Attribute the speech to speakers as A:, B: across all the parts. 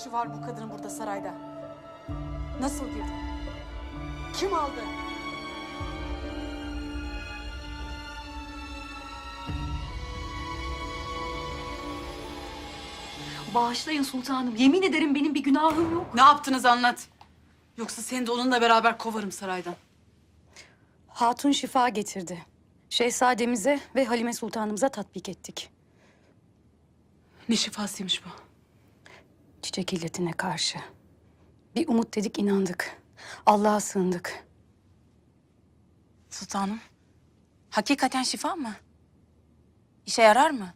A: işi var bu kadının burada sarayda? Nasıl girdi? Kim aldı?
B: Bağışlayın sultanım. Yemin ederim benim bir günahım yok.
A: Ne yaptınız anlat. Yoksa seni de onunla beraber kovarım saraydan.
B: Hatun şifa getirdi. Şehzademize ve Halime Sultanımıza tatbik ettik.
A: Ne şifasıymış bu?
B: Çiçek illetine karşı. Bir umut dedik, inandık. Allah'a sığındık.
C: Sultanım, hakikaten şifa mı? İşe yarar mı?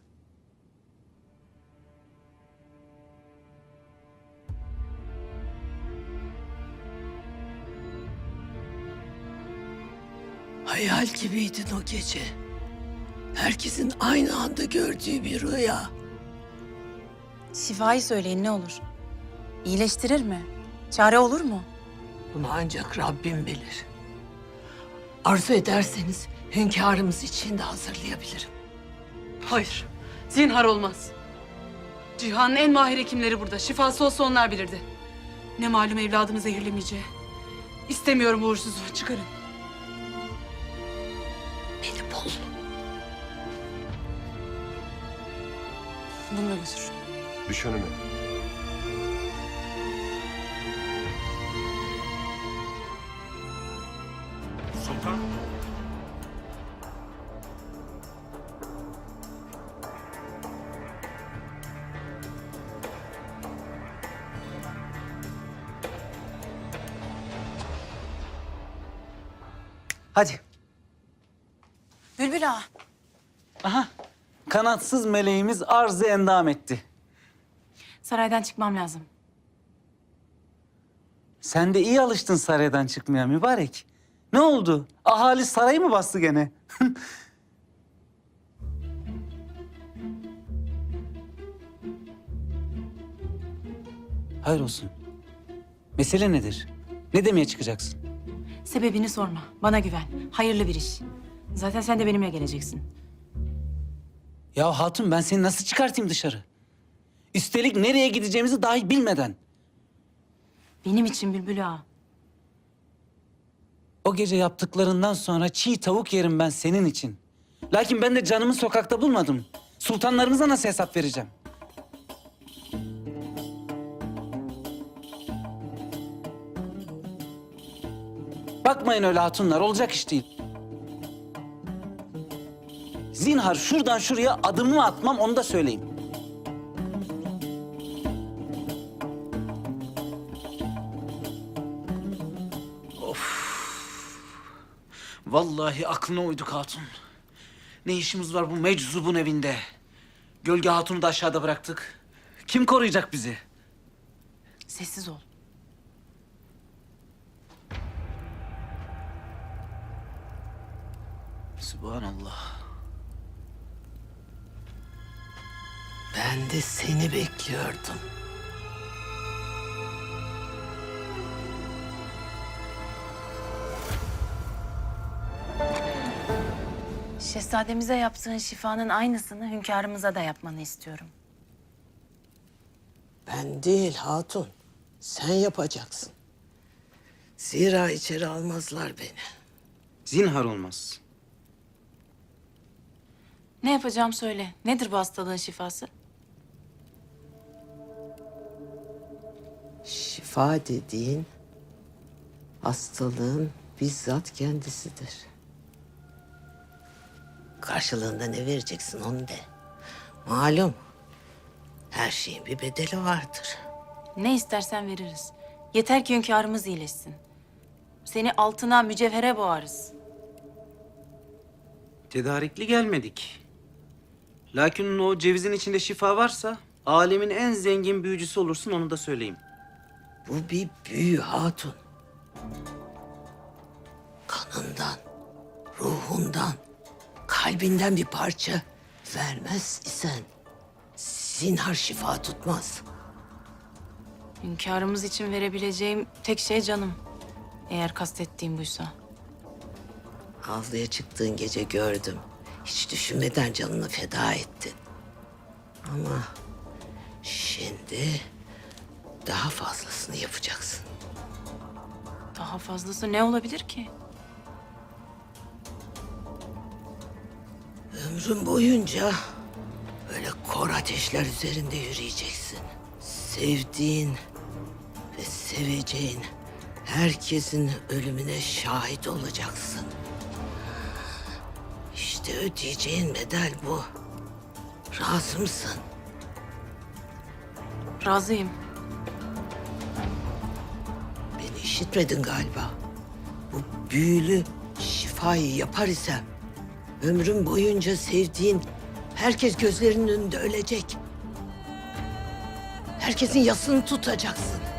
D: Hayal gibiydin o gece. Herkesin aynı anda gördüğü bir rüya.
C: Şifayı söyleyin ne olur. İyileştirir mi? Çare olur mu?
D: Bunu ancak Rabbim bilir. Arzu ederseniz hünkârımız için de hazırlayabilirim.
A: Hayır. Zinhar olmaz. Cihan'ın en mahir hekimleri burada. Şifası olsa onlar bilirdi. Ne malum evladımı zehirlemeyeceği. İstemiyorum bu uğursuzu. Çıkarın.
D: Beni bul.
A: Bununla götür.
E: Düş önüme.
F: Sultan.
G: Hadi.
C: Bülbül ağa,
G: Aha. Kanatsız meleğimiz arzı endam etti.
C: saraydan çıkmam lazım.
G: Sen de iyi alıştın saraydan çıkmaya mübarek. Ne oldu? Ahali sarayı mı bastı gene? Hayır olsun. Mesele nedir? Ne demeye çıkacaksın?
C: Sebebini sorma, bana güven. Hayırlı bir iş. Zaten sen de benimle geleceksin.
G: Ya hatun ben seni nasıl çıkartayım dışarı? Üstelik nereye gideceğimizi dahi bilmeden.
C: Benim için Bülbül ağa.
G: O gece yaptıklarından sonra çiğ tavuk yerim ben senin için. Lakin ben de canımı sokakta bulmadım. Sultanlarımıza nasıl hesap vereceğim? Bakmayın öyle hatunlar, olacak iş değil. Zinhar şuradan şuraya adımımı atmam, onu da söyleyeyim. Vallahi aklına uyduk hatun. Ne işimiz var bu meczubun evinde? Gölge hatunu da aşağıda bıraktık. Kim koruyacak bizi?
C: Sessiz ol.
G: Sübhanallah.
D: Ben de seni bekliyordum.
C: Şehzademize yaptığın şifanın aynısını hünkârımıza da yapmanı istiyorum.
D: Ben değil hatun. Sen yapacaksın. Zira içeri almazlar beni.
G: Zinhar olmaz.
C: Ne yapacağım söyle. Nedir bu hastalığın şifası?
D: Şifa dediğin hastalığın bizzat kendisidir. Karşılığında ne vereceksin onu de. Malum her şeyin bir bedeli vardır.
C: Ne istersen veririz. Yeter ki hünkârımız iyileşsin. Seni altına, mücevhere boğarız.
G: Tedarikli gelmedik. Lakin o cevizin içinde şifa varsa alemin en zengin büyücüsü olursun, onu da söyleyeyim.
D: Bu bir büyü hatun. Kanından, ruhundan, kalbinden bir parça vermez isen zinhar şifa tutmaz.
C: Hünkârımız için verebileceğim tek şey canım. Eğer kastettiğim buysa.
D: Avluya çıktığın gece gördüm. Hiç düşünmeden canını feda ettin. Ama şimdi Daha fazlasını yapacaksın.
C: Daha fazlası ne olabilir ki?
D: Ömrün boyunca böyle kor ateşler üzerinde yürüyeceksin. Sevdiğin ve seveceğin herkesin ölümüne şahit olacaksın. İşte ödeyeceğin bedel bu. Razı mısın?
C: Razıyım.
D: Beni işitmedin galiba. Bu büyülü şifayı yapar isem ömrüm boyunca sevdiğin herkes gözlerinin önünde ölecek. Herkesin yasını tutacaksın.